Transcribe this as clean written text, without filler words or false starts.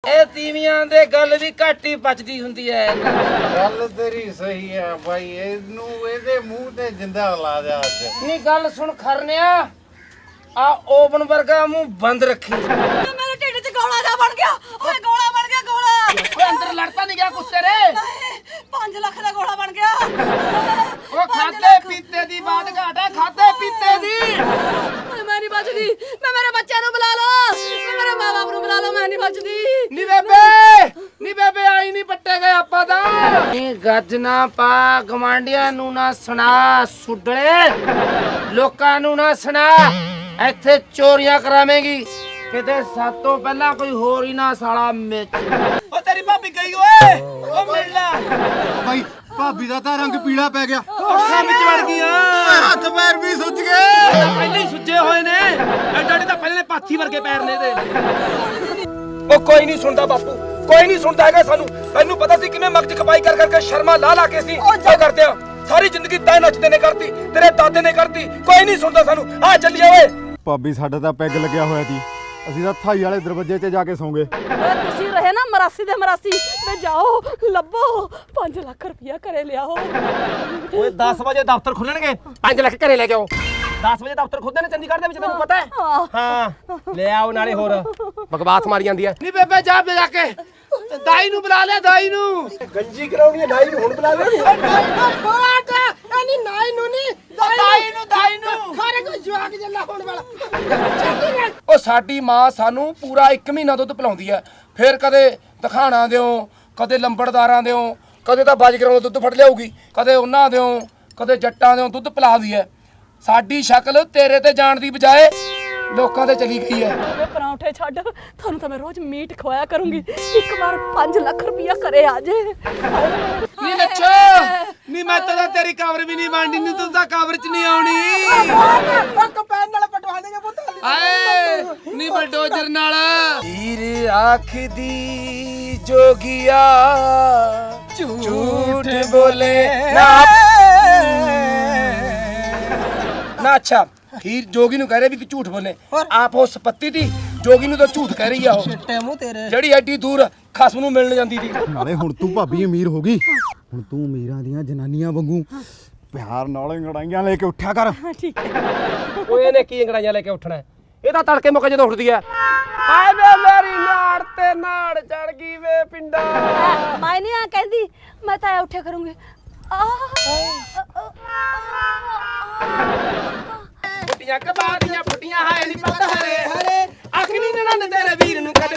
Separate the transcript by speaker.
Speaker 1: ਇਹ ਤੀਵੀਆਂ ਦੇ ਗੱਲ ਵੀ ਘੱਟ ਹੀ ਪਚਦੀ ਹੁੰਦੀ ਐ।
Speaker 2: ਗੱਲ ਤੇਰੀ ਸਹੀ ਆ ਬਾਈ, ਇਹਨੂੰ ਇਹਦੇ ਮੂੰਹ ਤੇ ਜਿੰਦਾ ਲਾ ਦਿਆ ਅੱਜ।
Speaker 1: ਨਹੀਂ ਗੱਲ ਸੁਣ ਖਰਨਿਆ, ਆ ਓਵਨ ਵਰਗਾ ਮੂੰਹ ਬੰਦ ਰੱਖੀ।
Speaker 3: ਮੇਰੇ ਢਿੱਡ 'ਚ ਗੋਲਾ ਜਾ ਬਣ ਗਿਆ। ਓਏ ਗੋਲਾ ਬਣ ਗਿਆ ਗੋਲਾ।
Speaker 1: ਓਏ ਅੰਦਰ ਲੜਤਾ ਨਹੀਂ ਗਿਆ ਕੁਛ ਤੇਰੇ?
Speaker 3: 5 ਲੱਖ ਦਾ ਗੋਲਾ ਬਣ ਗਿਆ।
Speaker 1: ਉਹ ਖਾਦੇ ਪੀਤੇ ਦੀ ਬਾਤ ਘਾਟ ਹੈ, ਖਾਦੇ ਪੀਤੇ ਦੀ।
Speaker 3: ਮੈਂ ਨਹੀਂ ਬਚਦੀ। ਮੈਂ ਮੇਰੇ ਬੱਚਿਆਂ ਨੂੰ ਬੁਲਾ ਲਓ, ਮੈਂ ਮੇਰੇ ਮਾਂ-ਬਾਪ ਨੂੰ ਬੁਲਾ ਲਓ, ਮੈਂ ਨਹੀਂ ਬਚਦੀ।
Speaker 1: ਨੀ ਬੇਬੇ ਆਈ ਨਹੀਂ ਪੱਟੇ ਗਏ ਆਪਾਂ ਤਾਂ। ਇਹ ਗੱਜ ਨਾ ਪਾ, ਗਵਾਂਡੀਆਂ ਨੂੰ ਨਾ ਸੁਣਾ, ਸੁਡਲੇ ਲੋਕਾਂ ਨੂੰ ਨਾ ਸੁਣਾ। ਇੱਥੇ ਚੋਰੀਆਂ ਕਰਾਵੇਂਗੀ, ਕਿਤੇ ਸਾਤੋਂ ਪਹਿਲਾਂ ਕੋਈ ਹੋਰ ਹੀ ਨਾ ਸਾਲਾ ਮਿੱਚ। ਉਹ ਤੇਰੀ ਭਾਬੀ ਗਈ ਓਏ, ਉਹ ਮਿਲ ਲੈ
Speaker 2: ਬਾਈ ਭਾਬੀ ਦਾ ਤਾਂ ਰੰਗ ਪੀਲਾ ਪੈ ਗਿਆ,
Speaker 1: ਅੱਖਾਂ ਵਿੱਚ ਵੜ ਗਈਆਂ,
Speaker 2: ਹੱਥ ਪੈਰ ਵੀ ਸੁੱਜ ਗਏ।
Speaker 1: ਪਹਿਲੇ ਹੀ ਸੁੱਜੇ ਹੋਏ ਨੇ, ਐਡਾ ਤਾਂ ਪਹਿਲੇ ਪਾਥੀ ਵਰਗੇ ਪੈਰ ਨੇ ਇਹਦੇ। ਉਹ ਕੋਈ ਨਹੀਂ ਸੁਣਦਾ ਬਾਪੂ, ਕੋਈ ਨਹੀਂ ਸੁਣਦਾ ਹੈਗਾ ਸਾਨੂੰ। ਤੈਨੂੰ ਪਤਾ ਸੀ ਕਿਵੇਂ ਮਗਜ ਖਪਾਈ ਕਰ ਕਰਕੇ ਸ਼ਰਮਾ ਲਾ ਕੇ ਸੀ ਉਹ ਕਰਦੇ ਆ। ਸਾਰੀ ਜ਼ਿੰਦਗੀ ਤੈਨੂੰ ਨੱਚਦੇ ਨੇ ਕਰਤੀ, ਤੇਰੇ ਦਾਦੇ ਨੇ ਕਰਤੀ, ਕੋਈ ਨਹੀਂ ਸੁਣਦਾ ਸਾਨੂੰ। ਆ ਚੱਲੀਏ ਓਏ।
Speaker 2: ਭਾਬੀ ਸਾਡਾ ਤਾਂ ਪੈਗ ਲੱਗਿਆ ਹੋਇਆ ਸੀ, ਅਸੀਂ ਤਾਂ ਥਾਈ ਵਾਲੇ ਦਰਵਾਜ਼ੇ 'ਤੇ ਜਾ ਕੇ ਸੌਂ ਗਏ।
Speaker 3: ਤੁਸੀਂ ਰਹੇ ਨਾ ਮਰਾਸੀ ਦੇ ਮਰਾਸੀ, ਤੇ ਜਾਓ ਲੱਭੋ 5 ਲੱਖ ਰੁਪਇਆ ਘਰੇ ਲਿਆਓ।
Speaker 1: ਓਏ 10 ਵਜੇ ਦਫ਼ਤਰ ਖੁੱਲਣਗੇ, 5 ਲੱਖ ਘਰੇ ਲੈ ਕੇ ਆਓ। 10 ਵਜੇ ਦਫ਼ਤਰ ਖੁੱਲਦੇ ਨੇ ਚੰਡੀਗੜ੍ਹ ਦੇ ਵਿੱਚ, ਤੈਨੂੰ ਪਤਾ ਹੈ? ਹਾਂ ਲੈ ਆਓ, ਨਾਲੇ ਹੋਰ ਬਕਵਾਸ ਮਾਰੀ ਜਾਂਦੀ ਹੈ। ਨਹੀਂ ਬੇਬੇ ਜਾ ਜਾ ਕੇ ਦਾਈ ਨੂੰ ਬੁਲਾ ਲੈ, ਦਾਈ ਨੂੰ ਗੰਜੀ ਕਰਾਉਣੀ ਹੈ। ਦਾਈ ਨੂੰ ਹੁਣ ਬੁਲਾ ਲੈ। ਨਹੀਂ ਨਾਈ ਨੂੰ ਨਹੀਂ, ਦਾਈ ਨੂੰ ਖਾਰੇ ਕੋਈ ਜਵਾਕ ਜੱਲਾ ਹੋਣ ਵਾਲਾ। ਉਹ ਸਾਡੀ ਮਾਂ ਸਾਨੂੰ ਪੂਰਾ 1 ਮਹੀਨਾ ਦੁੱਧ ਪਿਲਾਉਂਦੀ ਹੈ, ਫਿਰ ਕਦੇ ਤਖਾਣਾ ਦਿਓ, ਕਦੇ ਲੰਬੜਦਾਰਾਂ ਦਿਓ, ਕਦੇ ਤਾਂ ਬਾਜਗਰਾਂ ਦਾ ਦੁੱਧ ਫੜ ਲਿਆਊਗੀ, ਕਦੇ ਉਹਨਾਂ ਦਿਓ, ਕਦੇ ਜੱਟਾਂ ਦਿਓ ਦੁੱਧ ਪਿਲਾਉਂਦੀ ਹੈ। ਸਾਡੀ ਸ਼ਕਲ ਤੇਰੇ ਤੇ ਜਾਣ ਦੀ ਬਜਾਏ ਲੋਕਾਂ ਤੇ ਚਲੀ ਗਈ ਹੈ।
Speaker 3: ਵੇ ਪਰੌਂਠੇ ਛੱਡ, ਤੁਹਾਨੂੰ ਤਾਂ ਮੈਂ ਰੋਜ਼ ਮੀਟ ਖਵਾਇਆ ਕਰੂੰਗੀ। ਇੱਕ ਵਾਰ 5 ਲੱਖ ਰੁਪਇਆ ਘਰੇ ਆ ਜੇ।
Speaker 1: ਨੀ ਨੱਚੋ, ਨੀ ਮੈਂ ਤਾਂ ਤੇਰੀ ਕਵਰ ਵੀ ਨਹੀਂ ਬਣਨੀ, ਨੀ ਤੂੰ ਤਾਂ ਕਵਰ 'ਚ ਨਹੀਂ ਆਉਣੀ।
Speaker 3: ਕੰਪੈਨ ਨਾਲ ਪਟਵਾ ਦੇਗਾ ਪੁੱਤ।
Speaker 1: ਆਏ ਨੀ ਬਲਡੋਜ਼ਰ ਨਾਲ। ਹੀਰ ਆਖਦੀ ਜੋਗੀਆ ਝੂਠ ਬੋਲੇ ਨਾ। ਅੱਛਾ ਹੀਰ ਜੋਗੀ ਨੂੰ ਕਹਿ ਰਹੇ ਵੀ ਕਿ ਝੂਠ ਬੋਲੇ, ਆਪ ਉਹ ਸਪੱਤੀ ਦੀ ਜੋਗੀ ਨੂੰ ਤਾਂ ਝੂਠ ਕਹਿ ਰਹੀ ਆ ਉਹ, ਜਿਹੜੀ ਐਡੀ ਦੂਰ ਖਸਮ ਨੂੰ ਮਿਲਣ ਜਾਂਦੀ ਸੀ।
Speaker 2: ਨਾਲੇ ਹੁਣ ਤੂੰ ਭਾਬੀ ਅਮੀਰ ਹੋ ਗਈ, ਹੁਣ ਤੂੰ ਅਮੀਰਾਂ ਦੀਆਂ ਜਨਾਨੀਆਂ ਵਾਂਗੂ ਪਿਆਰ ਨਾਲ ਅੰਗੜਾਈਆਂ ਲੈ ਕੇ ਉੱਠਿਆ ਕਰ।
Speaker 3: ਠੀਕ ਹੈ।
Speaker 1: ਓਏ ਇਹਨੇ ਕੀ ਅੰਗੜਾਈਆਂ ਲੈ ਕੇ ਉੱਠਣਾ? ਇਹ ਤਾਂ ਤੜਕੇ ਮੁੱਕ ਜਦੋਂ ਉੱਠਦੀ ਐ, ਆਏ ਵੇ ਮੇਰੀ ਨਾੜ ਤੇ ਨਾੜ ਚੜ ਗਈ ਵੇ ਪਿੰਡਾ।
Speaker 3: ਮੈਂ ਨਹੀਂ ਆ ਕਹਿੰਦੀ, ਮੈਂ ਤਾਂ ਉੱਠਿਆ ਕਰੂੰਗੀ।
Speaker 1: ਫੁੱਟੀਆਂ ਕਬਾਦੀਆਂ ਫੁੱਟੀਆਂ ਹਾਏ ਨੀ ਪੱਤ ਹਰੇ ਹਰੇ, ਅਖਨੀ ਨਣਨ ਤੇਰੇ ਵੀਰ ਨੂੰ